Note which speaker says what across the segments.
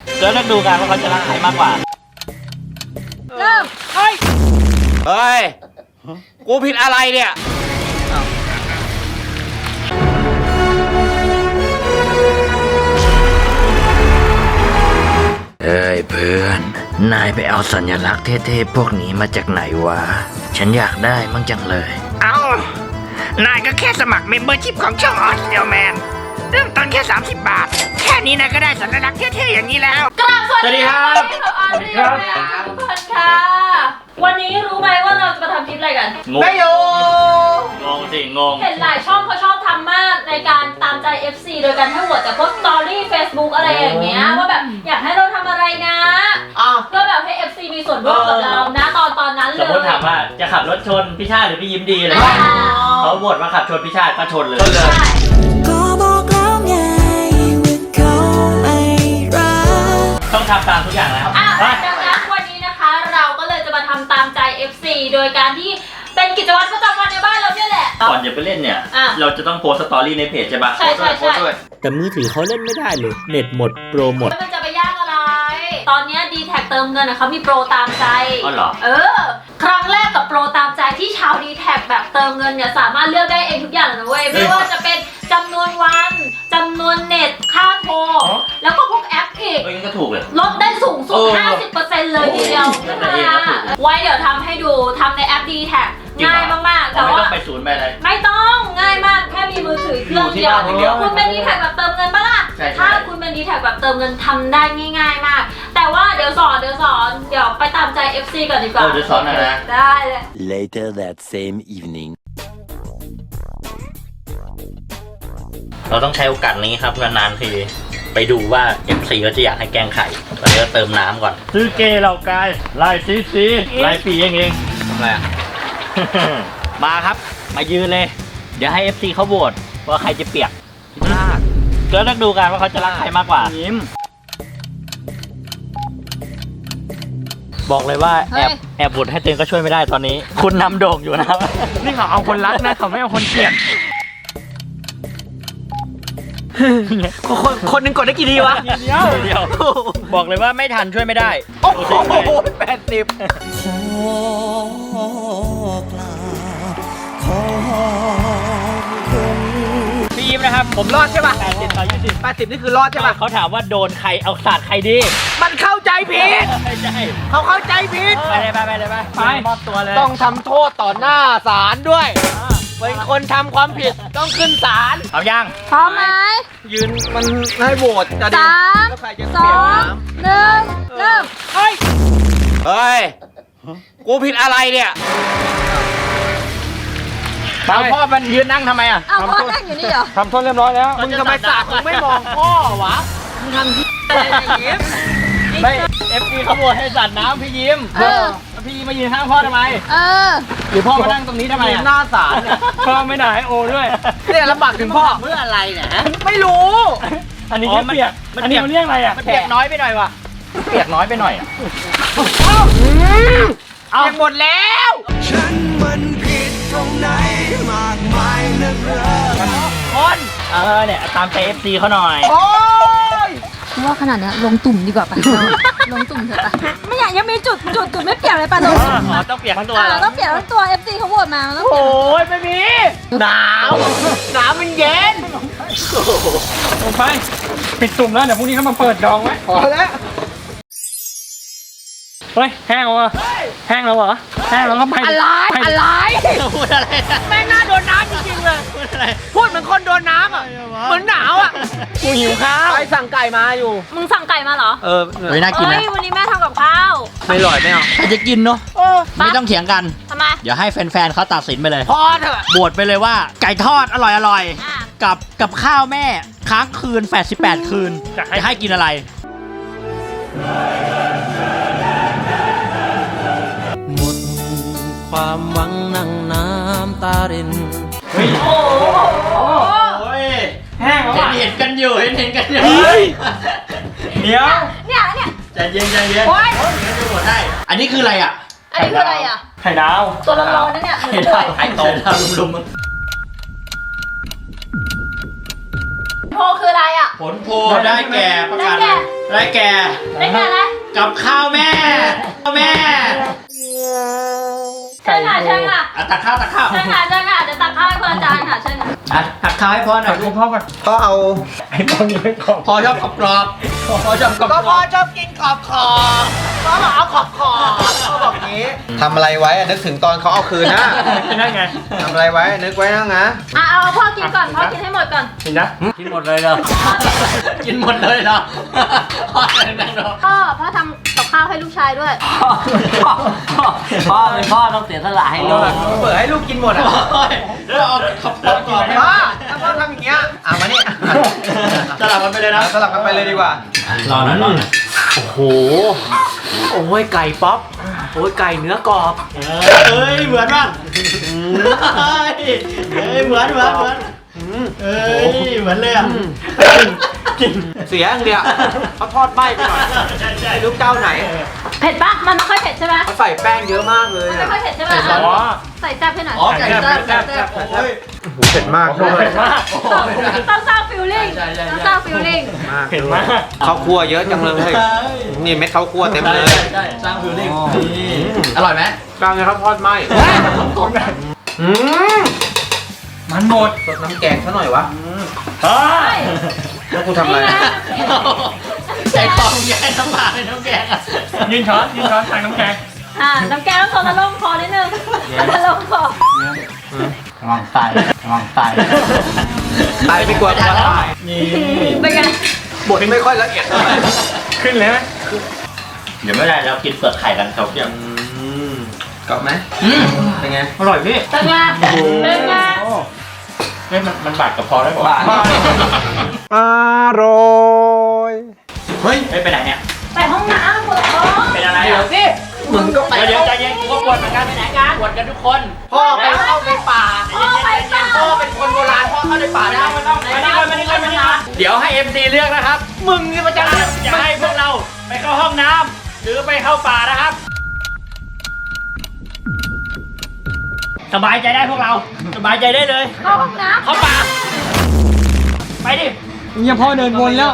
Speaker 1: ก็เลือกดูกันว่าเขาจะรักใครมากกว่า
Speaker 2: เริ่ม
Speaker 3: เฮ้ยกูผิดอะไรเนี่ย
Speaker 4: เอ้ยเพื่อนนายไปเอาสัญลักษณ์เท่ๆพวกนี้มาจากไหนวะฉันอยากได้มั่งจังเลย
Speaker 5: นายก็แค่สมัครเมมเบอร์ชิพของช่องออสเดลแมนเริ่มต้นแค่30 บาทแค่นี้นายก็ได้สัญลักษณ์เท่ๆอย่างนี้แล้ว
Speaker 2: กราบสวัสดีครับ
Speaker 1: สวัสดีครับ
Speaker 2: ทุกคนค่ะวันนี้รู้ไหมว่าเราจะมาทำคลิปอะไรกัน
Speaker 3: ไม่รู้
Speaker 1: งงสิงง
Speaker 2: เห็นหลายช่องเขาชอบทำมากในการตามใจ FC โดยการให้โหวตจากพวกสตอรี่ Facebook อะไรอย่างเงี้ยว่าแบบอยากให้เราทำอะไรนะก็แบบให้ FC มีส่วนร่วมกับเรานะตอนนั้นเลย
Speaker 1: สมมติถามว่าจะขับรถชนพี่ชาติหรือพี่ยิ้มดีอะไรเขาโหวตมาขับชนพี่ชาติก็ชนเลย
Speaker 6: ก็บอกแล้วไงว่าเขาไม่รัก
Speaker 1: ต้องทำตามทุกอย่างแล้ว
Speaker 2: ดังนั้นวันนี้นะคะเราก็เลยจะมาทำตามใจ FC โดยการที่เป็นกิจวัตรประจำวันในบ้านเราเนี่ยแหละ
Speaker 1: ก่อนจะไปเล่นเนี่ยเราจะต้องโพสสตอรี่ในเพจใช่ปะ
Speaker 2: ใช่
Speaker 4: แต่มือถือเขาเล่นไม่ได้เลยเน็ตหมดโปรหมด
Speaker 2: มันจะไปยากอะไรตอนนี้ D-Tag เติมเงินเขามีโปรตามใจ
Speaker 1: เหรอ
Speaker 2: ครั้งแรกกับโปรตามใจที่ชาว D-Tag แบบเติมเงินเนี่ยสามารถเลือกได้เองทุกอย่างเลยนะเว้ยไม่ว่าจะเป็นจำนวนวันจำนวนเน็ตค่าโทรแล้วก็พวกแอปอีก
Speaker 1: ก็ถูกเลย
Speaker 2: ลดได้สูงสุด 50% เลยทีเดียวไว้เดี๋ยวทำให้ดูทำในแอป D-Tag ง่ายมากๆแต่ว่า
Speaker 1: ไม่ต้องไปศูนย์ไปอะไร
Speaker 2: ไม่ต้องง่ายมากแค่มีมือถือเครื่องเดียวคุณเป็น D-Tag แบบเติมเงินปะล่ะถ้าคุณเป็น D-Tag แบบเติมเงินทำได้ง่ายๆมากแต่ว่าเดี๋ยวสอนเดี๋ยวไปตามใจ FC ก่อนดีกว่า
Speaker 1: เดี๋ยวสอนหน่อยนะ
Speaker 2: ได้เลย
Speaker 4: Later that same evening
Speaker 1: เราต้องใช้โอกาสนี้ครับนานๆทีไปดูว่า FC เขาจะอยากให้แกงไข่ตอนนี้ก็เติมน้ำก่อนซื้อเกเหล่ากายลายซีลายปีเอง
Speaker 3: ทำอะไร
Speaker 1: มาครับมายืนเลยเดี๋ยวให้ FC เขาโหวตว่าใครจะเปียกก็เลือกดูกันว่าเขาจะรักใครมากกว่ายิ้มบอกเลยว่าแอบโหวตให้เต็งก็ช่วยไม่ได้ตอนนี้คุณนำโด่งอยู่นะครับ
Speaker 3: นี่เขาเอาคนรักนะเขาไม่เอาคนเกลียดคนหนึ่งกดได้กี่ทีวะ
Speaker 1: เดียวบอกเลยว่าไม่ทันช่วยไม่ได้
Speaker 3: โอ้โห80
Speaker 1: พี่ยิ้มนะครับ
Speaker 3: ผมรอดใช่ป่ะ
Speaker 1: 80/20
Speaker 3: นี่คือรอดใช่ป่ะ
Speaker 1: เขาถามว่าโดนใครเอาสาดใครดี
Speaker 3: มันเข้าใจผิดเขาเข้าใจผิด
Speaker 1: ไปเลยไปมอบตัวเลย
Speaker 3: ต้องทำโทษต่อหน้าศาลด้วยเป็นคนทำความผิดต้องขึ้นศาล
Speaker 1: เอายัง
Speaker 2: พร้อมไหม
Speaker 3: ยืนมันให้โหวตจะดี
Speaker 2: 3 2 1 เริ่ม
Speaker 3: เฮ้ยกูผิดอะไรเนี่ย
Speaker 1: เอาพ่อมันยืนนั่งทำไมอ่ะ
Speaker 2: เอาพ่อนั่งอยู่นี่เหรอ
Speaker 3: ทำโทษเรียบร้อยแล้วมึงทำไมสาดมึงไม่มองพ่อวะมึงทำที่อะไรยิ้ม
Speaker 1: ไม่ FP ขโมยให้สัตว์น้ำพี่ยิ้มพี่ยิ้มมายืนข้างพ่อทำไมหรือพ่อมานั่งตรงนี้ทำไม
Speaker 3: หน้าศาลเนี่ย
Speaker 1: พ่อไม่ด่าให้โอด้วย
Speaker 3: เนี่ยลำบากถึงพ่อ
Speaker 5: เมื่ออะไรเนี่ย
Speaker 3: ไม่รู้
Speaker 1: อันนี้เปียกอันนี้มันเรียกอะไรอ่ะ
Speaker 3: มันเปียกน้อยไปหน่อยวะ
Speaker 1: เปียกน้อยไปหน่อย
Speaker 3: เอาหมดแล้ว
Speaker 6: ฉันมันผิดตรงไหนมากมายนักหนา
Speaker 1: คนเนี่ยตามใจ FC เขาหน่อย
Speaker 3: โอ้ย
Speaker 2: ว่าขนาดนี้ลงตุ่มดีกว่าป่ะลงตุ่มเถอะป่ะไม่อยากยังมีจุดไม่เปียกเลยป่ะลง
Speaker 1: ต้องเปียกทั้งตัว
Speaker 2: ต้องเปียกทั้งตัว FC เขาโหวตมา
Speaker 3: โอ้ยไม่มีหนาวมันเย็น
Speaker 1: ลงไปปิดตุ่มแล้วเดี๋ยวพรุ่งนี้เขามาเปิดดองไว้
Speaker 3: พอแล้ว
Speaker 1: เฮ้ยแห้งแล้วเหรอแห้งแล้วเหรอแห้งแล้วก็ไป
Speaker 3: อะไร
Speaker 1: พูดอะไร
Speaker 3: แม่งน่าโดนน้ำจริงๆเลยพูดเหมือนคนโดนน้ำอ่ะเหมือนหนาวอ่ะ
Speaker 1: กูหิวข้าว
Speaker 3: ไปสั่งไก่มาอยู่
Speaker 2: มึงสั่งไก่มาเหรอ
Speaker 1: ไม่น่ากินนะ
Speaker 2: วันนี้แม่ทำกับข้าว
Speaker 3: ไม่อร่อยไม่เอา
Speaker 1: ใครจะกินเนาะไม่ต้องเถียงกัน
Speaker 2: ทำไม
Speaker 1: เดี๋ยวให้แฟนๆเขาตัดสินไปเลย
Speaker 3: พอเถอะ
Speaker 1: บวชไปเลยว่าไก่ทอดอร่อยกับข้าวแม่ค้างคืน88คืนจะให้กินอะไร
Speaker 4: หมดความหวังนั่งน้ำตาริน
Speaker 1: โอ้ยแห้งแล้วเห็นกันอยู่เห็นกันอยู่เดี๋ยว
Speaker 2: เนี่ย
Speaker 1: ใจเย็นงั้นจะหมดได้อันนี้คืออะไรอ่ะ
Speaker 2: ไข่ดาวตัวร้อนๆนั่นเนี่ย
Speaker 1: ไข่ต้มลุม
Speaker 2: โพคืออะไรอ่ะ
Speaker 1: ผลโพได้แก่ประกาศได้แก่
Speaker 2: ได้แก่อะไร
Speaker 1: กับข้าวแม่แม่
Speaker 2: เชิญค่ะเชิญค่ะ
Speaker 1: ตักข้าว
Speaker 2: เชิญค่ะเชิญค่ะจะตักข้าวให้คุณอาจารย์ค่ะเชิญค่ะ
Speaker 1: ตักข้าวให้พ่อหน่อยลูกพ่อก่อน
Speaker 3: พ่อเอา
Speaker 1: พ่อชอบกรอบพ่อชอบกรอบ
Speaker 3: ก็พ่อชอบกินขอบพ่อบอกเอาขอบพ่อบอกงี้ทำอะไรไว้อะนึกถึงตอนเขาเอาคืนนะ
Speaker 1: นั่นไง
Speaker 3: ทำอะไรไว้นึกไว้นะ
Speaker 2: เอาพ่อกินก่อนพ่อกินให้หมดก่อน
Speaker 1: กินนะกินหมดเลยเหรอกินหมดเลยเหรอพ่อเลยนะเนาะ
Speaker 2: พ่อทำกับข้าวให้ลูกชายด้วย
Speaker 1: พ่อเป็นพ่อต้องเสียสละให้ลูก
Speaker 3: เปิดให้ลูกกินหมดอ่ะ
Speaker 1: แล้วเอาขับรถก่อน
Speaker 3: พ่อถ้าพ่อทำอย่างเงี้ยมานี่
Speaker 1: สลับกันไปเลยนะ
Speaker 3: สลับกันไปเลยดีกว่า
Speaker 1: รอหน่อย
Speaker 3: โอ้โหโอ้ยไก่ป๊อปโอ้ยไก่เนื้อกรอบ
Speaker 1: เฮ้ยเหมือนป่ะเฮ้ยเหมือนเอ้ยเหมือนเลยอ่ะกิน
Speaker 3: เสียอย่างเดียวเขาทอดไหม้ไปหน่อยไม่รู้เจ้าไหน
Speaker 2: เผ็ดปะมันไม่ค่อยเผ็ดใช่ไหม
Speaker 3: เขาใส่แป้งเยอะมากเลย
Speaker 2: ไม่ค่อยเผ็ดใช่ไหมใส่แซ่บให้หน่อย
Speaker 1: ไก่แซ่บ
Speaker 3: โอ้ยเผ็ดมากด้วย
Speaker 2: ต้องสร้างฟิลลิ่งต้องสร้างฟิลลิ่ง
Speaker 1: เผ็ดมาก
Speaker 3: ข้าวคั่วเยอะจังเลยนี่เม็ดข้าวคั่วเต็มเลย
Speaker 1: ใช่สร้างฟิลลิ่งอร่อยไหม
Speaker 3: กลางเลยครับทอดไหม้มันหมดสดน้ำแกงซะหน่อยวะ
Speaker 1: เฮ้ย
Speaker 3: แล้วกูทำอะไร
Speaker 1: ใจคอมแย่น้ำปลาในน้ำแกงยืนช้อนทางน้ำแกง
Speaker 2: น้ำแกงต้องโซนละลงคอนิดนึงละลงคอ
Speaker 1: วางตาย
Speaker 3: ตายไปกว่าตาย
Speaker 1: นี่
Speaker 2: เป็นไง
Speaker 3: บดไม่ค่อยละเอียดเท่าไหร่
Speaker 1: ขึ้นเลยไหมเดี๋ยวไม่ได้เรากินเปลือกไข่กันครับเดี๋ยว
Speaker 3: กรอบไหมเป็นไง
Speaker 1: อร่อยพี่
Speaker 2: เป็นไงเป็นไง
Speaker 1: เฮ้ยมันบาดกับพอได้ป่ะ
Speaker 3: อร่อย
Speaker 1: เฮ้ยไปไหนเนี่ย
Speaker 2: ไปห้องน้ำปวดท้อง
Speaker 1: เป็นอะไรอ่ะ
Speaker 3: มึงก็ไป
Speaker 1: เดี๋ยวใจเย็นกูก็ปวดเหมือนกันไปไหนกันปวดกันทุกคน
Speaker 3: พ่อไปเข้าในป่า
Speaker 2: พ่อไปเปล่า
Speaker 3: พ่อเป็นคนโบราณพ่อเข้าในป่าได้
Speaker 1: มานี่ก่อนเดี๋ยวให้ MC เลือกนะครับ
Speaker 3: มึงนี่มันจะ
Speaker 1: จะให้พวกเราไปเข้าห้องน้ำหรือไปเข้าป่านะครับ สบายใจได้พวกเรา สบายใจได้เลย
Speaker 2: เข้าห้องน้ำ
Speaker 1: เข้าป่า ไปดิ
Speaker 7: เนี่ยพ่อเดินวนแล้ว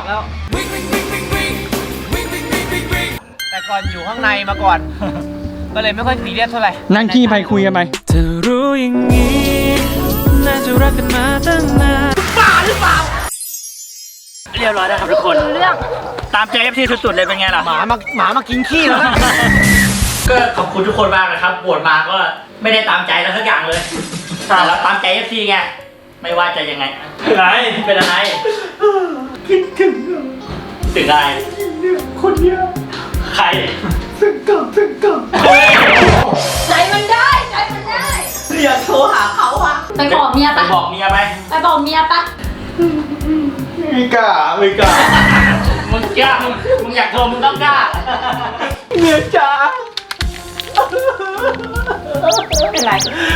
Speaker 3: แต่ก่อนอยู่ข้างในมาก่อน ก็เลยไม่ค่อยซีเรียสเท่าไหร่
Speaker 7: นั่งขี้ไปคุยกันไป
Speaker 6: เธอรู้อย่างนี้ น่าจะรักกันมาตั้งนาน
Speaker 1: เรียบร้อยแล้วครับทุกคน
Speaker 2: เรื่อง
Speaker 1: ตามใจ FC สุดๆเลยเป็นไงล่ะ
Speaker 3: หมามากินขี้แล้วนะ
Speaker 1: ก็ขอบคุณทุกคนมากนะครับบวชมาก็ไม่ได้ตามใจเราสักอย่างเลยแต่เราตามใจ FC ไง ไม่ว่าจะยังไงเป็นอะไร คิดถึงอะไร คนเดียว ใคร
Speaker 2: ใจมันได้ใจมันได้
Speaker 3: อยากโทรหาเขาอะ
Speaker 2: ไปบอกเมีย
Speaker 1: ไป
Speaker 2: ปะ
Speaker 1: บอกเมียไป
Speaker 2: ไปบอกเมียปะ
Speaker 3: ไม่กล้า
Speaker 1: มึงกล้ามึงอยากโทรมึงต้องกล้า
Speaker 3: เมียจ๋า
Speaker 2: เป็นไร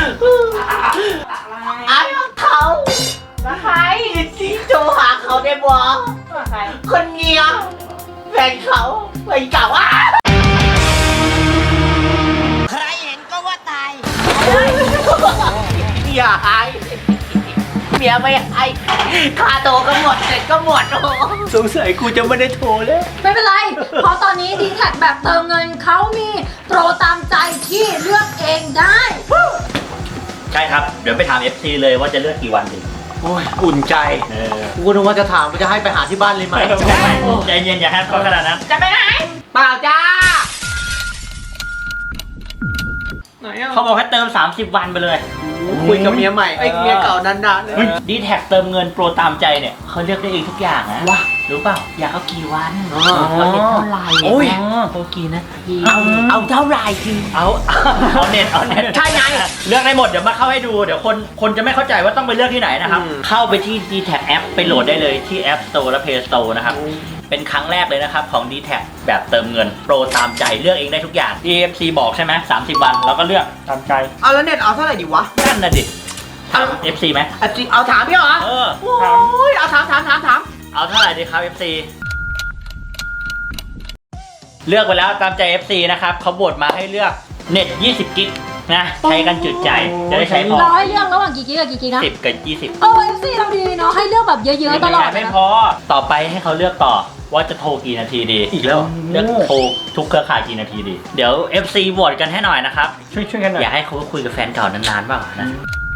Speaker 3: ไอ้เขา
Speaker 2: แล้วใคร
Speaker 3: ที่โทรหาเขาได้บ่
Speaker 2: ใคร
Speaker 3: คนเมียแฟนเขาแฟนเก่าอ่ะใครเห็นก็ว่าตายอย่าหายเมียไม่ให้ค่าโตก็หมดเสร็จก็หมดสงสัยกูจะไม่ได้โทรเลย
Speaker 2: ไม่เป็นไร เพราะตอนนี้ดีแท็กแบบเติมเงินเขามีโปรตามใจที่เลือกเองได้
Speaker 1: ใช่ครับ เดี๋ยวไปถาม FC เลยว่าจะเลือกกี่วันดี
Speaker 3: โอ้ยอุ่นใจกูนึกว่าจะถามว่าจะให้ไปหาที่บ้านเลยไหม
Speaker 1: ใจเย็นอย่าแฮปเขาขนาดนั้น
Speaker 2: จะไปไหน
Speaker 3: เปล่าจ้า
Speaker 1: เขาบอกให้เติม 30 วันไปเลย
Speaker 3: คุยกับเมียใหม่ไอ้เมียเก่านานๆเลย
Speaker 1: ดีแท็กเติมเงินโปรตามใจเนี่ยเขาเลือกได้เองทุกอย่างนะว้ารู้เปล่าอยากเอากี่วันเอาเน็ตเท่าไหร่
Speaker 3: โอ้ย
Speaker 1: เอากี่นาที
Speaker 3: เอาเท่าไหร่คือ
Speaker 1: เอาเน็ตใช่ไงเลือกได้หมดเดี๋ยวมาเข้าให้ดูเดี๋ยวคนจะไม่เข้าใจว่าต้องไปเลือกที่ไหนนะครับเข้าไปที่ d t แท็แอปไปโหลดได้เลยที่ App Store และ Play Store นะครับเป็นครั้งแรกเลยนะครับของ d t แท็แบบเติมเงินโปรตามใจเลือกเองได้ทุกอย่าง EFC บอกใช่ไหม30 วันแล้วก็เลือกตามใจ
Speaker 3: เอาแล้วเน็ตเอาเท่าไหร่ดีวะ
Speaker 1: นั่นน่ะดิถาม FC ไหม
Speaker 3: เอาถามพี่เหรอ
Speaker 1: เออ
Speaker 3: โอ้ยเอาถาม
Speaker 1: เอาเท่าไหร่ดีครับ FC เลือกไปแล้วตามใจ FC นะครับเขาบดมาให้เลือกเน็ต20 กิกนะใช้กันจุดใจจะได้ใช้พอ
Speaker 2: เราให้เลือกระหว่างกี่กิกกับกี่กิกนะ
Speaker 1: 10 กับ 20
Speaker 2: เออ FC เราดีเนาะให้เลือกแบบเยอะๆตลอด
Speaker 1: ไม่พอต่อไปให้เขาเลือกต่อว่าจะโทรกี่นาทีดี
Speaker 3: อีกแล้ว
Speaker 1: เลือกโทรทุกเครือข่ายกี่นาทีดี เดี๋ยว FC โหวตกันให้หน่อยนะครับ
Speaker 7: ช่วยกันหน่อย
Speaker 1: อยากให้เขาคุยกับแฟนเก่านานๆเปล่านะ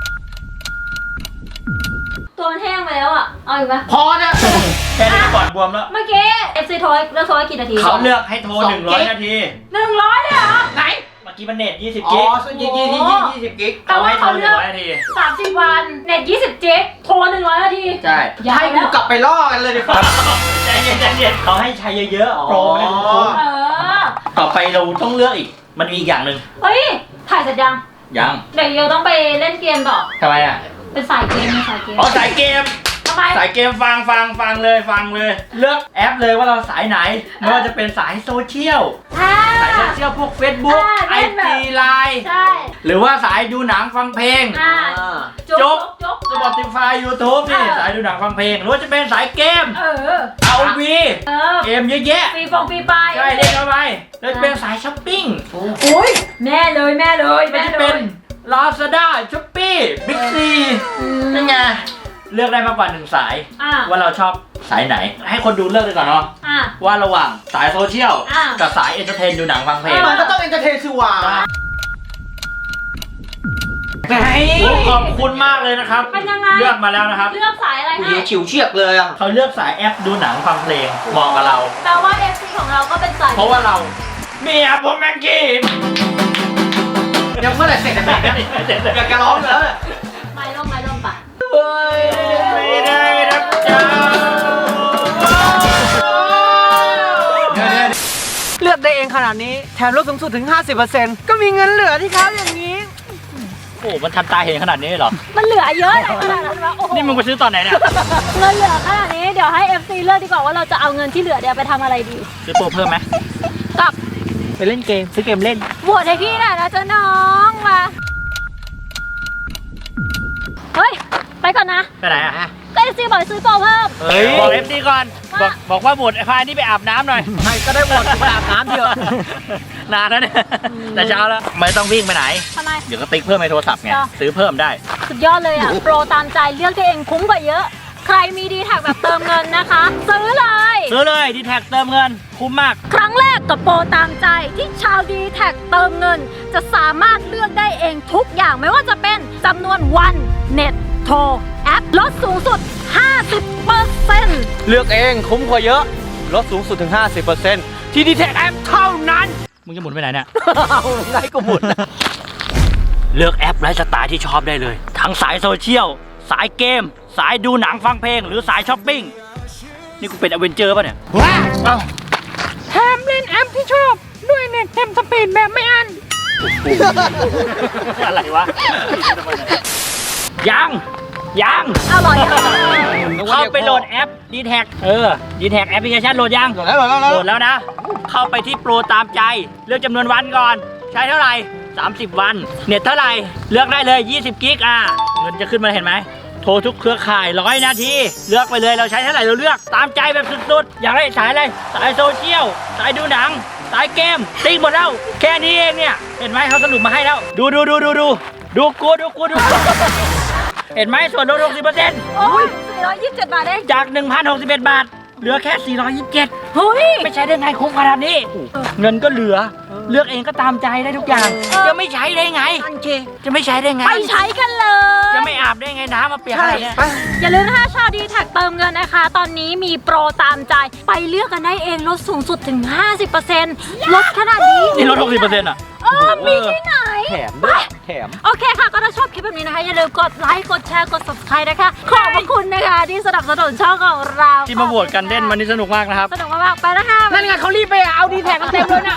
Speaker 2: ตัวมันแห้งไปแล้วอ่ะ เอาอีกปะ
Speaker 3: พอนะ
Speaker 1: แค่นี้ก่อนบวมแล้ว
Speaker 2: เมื่อกี้ FC โทรเลือกโทรให้กี่นาที
Speaker 1: เขาเลือกให้โทร
Speaker 3: 2
Speaker 1: 100 นาที
Speaker 2: 100เลยเหรอ
Speaker 3: ไหน
Speaker 1: เมื่อกี้มันเน็ต20
Speaker 3: อ๋อ
Speaker 1: กิก
Speaker 3: 20 กิก
Speaker 2: แต่
Speaker 1: เขา
Speaker 2: ว่า
Speaker 1: ให้โทร
Speaker 2: เขาเลือก
Speaker 1: 100 นาที
Speaker 2: 30 วัน เน็ต20 จิกโทร100 นาที
Speaker 3: ใช่
Speaker 2: ยาว
Speaker 3: ให้
Speaker 2: แล้
Speaker 3: กู
Speaker 2: ว
Speaker 3: กลับไปล่อกันเลยดีกว่า
Speaker 1: ใจเย็นๆเขาให้ใช้เยอะๆโปรไม่ได้คุ้ม
Speaker 2: เออ
Speaker 1: ต่อไปเราต้องเลือกอีก มันมีอีกอย่างหนึ่ง
Speaker 2: เฮ้ย ถ่ายเสร็จยัง
Speaker 1: ยัง
Speaker 2: เดี๋ยวเยวต้องไปเล่นเกมต่อ
Speaker 1: ทำไมอ่ะ
Speaker 2: เป็นสายเกมเป็นสายเกม
Speaker 1: อ๋อสายเกม
Speaker 2: ทำไม
Speaker 1: สายเกมฟังเลย เลือกแอปเลยว่าเราสายไหน ไม่ว่าจะเป็นสายโซเชียล
Speaker 2: อ่า
Speaker 1: สายโซเชียลพวก Facebook
Speaker 2: เล่นแบบ
Speaker 1: IG Line
Speaker 2: ใช่
Speaker 1: หรือว่าสายดูหนังฟังเพลง
Speaker 2: อ่า
Speaker 1: จบ
Speaker 2: จบ
Speaker 1: Spotify YouTube นี่ สายดูหนังฟังเพลง หรือว่าจะเป็นสายเกม
Speaker 2: เออ
Speaker 1: ROV
Speaker 2: เออ
Speaker 1: เกมเยอะแยะ
Speaker 2: ฟรีฟงฟรีไป
Speaker 1: ใช่เล่นเข้าไปแล้วจะเป็นสายช้อปปิ้ง
Speaker 2: อุ้ยแม่เลย
Speaker 1: ไม่
Speaker 2: แม่
Speaker 1: จะ
Speaker 2: เล
Speaker 1: เป็น
Speaker 2: ย
Speaker 1: Lazada Shopee Big C นั่นไงเลือกได้มากกว่า1สาย
Speaker 2: อ่า
Speaker 1: ว่าเราชอบสายไหน ให้คนดูเลือกเลยก่อนเนาะ
Speaker 2: อ่า
Speaker 1: ว่าระหว่างสายโซเชียล
Speaker 2: อ่ะ
Speaker 1: กับสายเอนเตอร์เทนดูหนังฟังเพลง
Speaker 3: มันก็ต้องเอนเตอร์เทนสิวะ
Speaker 1: ขอบคุณมากเลยนะครับ
Speaker 2: เป็นยังไง
Speaker 1: เลือกมาแล้วนะครับ
Speaker 2: เลือกสายอะไร
Speaker 3: กู
Speaker 2: ให้
Speaker 3: ยิงฉิวเฉียกเลยอ่ะ
Speaker 1: เขาเลือกสายแอปดูหนังฟังเพลงเหมาะกับเรา
Speaker 2: แปลว่า FC ของเราก็เป็นสาย
Speaker 1: เพราะว่าเราเมียผมแมงกี้
Speaker 3: ยังเมื่อไหร่เสร็จจะแต่งอยากจะร้องแล้วเนี่ย
Speaker 2: ไม่ล่มปะ
Speaker 1: ไม่ได้รับเจ้า
Speaker 3: เลือกได้เองขนาดนี้แถมลดสูงสุดถึง 50%ก็มีเงินเหลือที่เขาอย่างนี้
Speaker 1: โอ้โหมันทำตาเห็นขนาดนี้เลยเหรอ
Speaker 2: มันเหลือเยอะเลยขนาดนั้นวะโอ้โห
Speaker 1: นี่มึงไปซื้อตอนไหนเนี่ย
Speaker 2: เงินเหลือขนาดนี้เดี๋ยวให้ FC เลือกดีกว่าว่าเราจะเอาเงินที่เหลือเดี๋ยวไปทำอะไรดี
Speaker 1: ซื้อโปรเพิ่มไหม
Speaker 2: กับ
Speaker 3: ไปเล่นเกมซื้อเกมเล่น
Speaker 2: บวชให้พี่หน่อยนะเจ้าน้องมาเฮ้ยไปก่อนนะ
Speaker 1: ไปไหนอ่ะ
Speaker 2: ก็ FC บอกให้ซื้อโปรเพิ่ม
Speaker 1: เฮ้ยบอก FC ก่อน บอกว่าหมดไอ้พายนี่ไปอาบน้ำหน่อย
Speaker 3: ใครก็ได้หมดไปอาบน้ำเถอะ
Speaker 1: นานแล้วเนี่ยแต่เช้าแล้ว ไม่ต้องวิ่งไปไหน
Speaker 2: ทำไม
Speaker 1: เดี๋ยวก็ติ๊กเพิ่มในโทรศัพท์ไง
Speaker 2: จ้ะ
Speaker 1: ซื้อเพิ่มได้
Speaker 2: สุดยอดเลยอ่ะ โปรตามใจเลือกตัวเองคุ้มกว่าเยอะ ใครมีดีแท็กแบบเติมเงินนะคะ ซื้อเลย
Speaker 1: ซื้อเลยดีแท็กเติมเงิน คุ้มมาก
Speaker 2: ครั้งแรกกับโปรตามใจที่ชาวดีแท็กเติมเงิน จะสามารถเลือกได้เองทุกอย่างไม่ว่าจะเป็นจำนวนวันเน็ตโทรแอปลดสูงสุด 50%
Speaker 3: เลือกเองคุ้มกว่าเยอะลดสูงสุดถึง 50%ที่ดีแท็กแอปเท่านั้น
Speaker 1: มึงจะหมุนไปไหนเนี่ย
Speaker 3: เอาไงก็หมดนะ
Speaker 1: เลือกแอปไลฟ์สไตล์ที่ชอบได้เลย ทั้งสายโซเชียล สายเกม สายดูหนังฟังเพลง หรือสายช้อปปิ้ง นี่กูเป็นอเวนเจอร์ป่ะเนี่ย
Speaker 3: ว้า
Speaker 1: เอ้า
Speaker 5: แถมเล่นแอปที่ชอบ ด้วยเน็ตเต็มสปีดแบบไม่อั้น
Speaker 1: อะไรวะ ยัง
Speaker 2: อร่อยอ่ะ
Speaker 1: เข้าไปโหลดแอป d t แทd t แทแอปพลิเคชันโหลดยัง
Speaker 3: โหลดแล้ว
Speaker 1: โหลดแล้วนะ เข้าไปที่โปรตามใจ เลือกจำนวนวันก่อน ใช้เท่าไหร่ 30 วัน เน็ตเท่าไหร่ เลือกได้เลย 20 กิกเงินจะขึ้นมาเห็นไหม โทรทุกเครือข่าย100 นาที เลือกไปเลย เราใช้เท่าไหร่เราเลือก ตามใจแบบสุดๆ อยากได้สายอะไร สายโซเชียล สายดูหนัง สายเกม ติ๊กหมดแล้ว แค่นี้เองเนี่ย เห็นไหมเขาสรุปมาให้แล้ว ดูกู เห็นไหมส่วนลด 60%
Speaker 2: โอ้ย427 บาทเอง
Speaker 1: จาก 1,061 บาท เหลือแค่ 427
Speaker 2: เฮ้ย
Speaker 1: ไม่ใช้ได้ไงคุ้มขนาดนี้ เงินก็เหลือ เลือกเองก็ตามใจได้ทุกอย่าง จะไม่ใช้ได้ไง จะไม่ใช้ได้ไง
Speaker 2: ไปใช้กันเลย
Speaker 1: จะไม่อาบได้ไงน้ำมาเปียกอะไรเนี่ย
Speaker 2: อย่าลืมนะคะชาวดีแท็กเติมเงินนะคะ ตอนนี้มีโปรตามใจ ไปเลือกกันได้เองลดสูงสุดถึง 50%ลดขนาดนี้
Speaker 1: นี่ลด 60%อ่ะ
Speaker 2: มีที่ไหน
Speaker 3: แถมด้วยแถม
Speaker 2: โอเคค่ะ ก็ถ้าชอบคลิปแบบนี้นะคะ อย่าลืมกดไลค์ กดแชร์ กด subscribe นะคะ ขอบพระคุณนะคะ ที่สนับสนุนช่องของเรา
Speaker 1: ที่มาโหวตกันเล่นวันนี้สนุกมากนะครับ
Speaker 2: สนุกมากๆไปนะคะ
Speaker 3: นั่นไงเขารีบไปเอาดีแท็กกันเต็มเลยนะ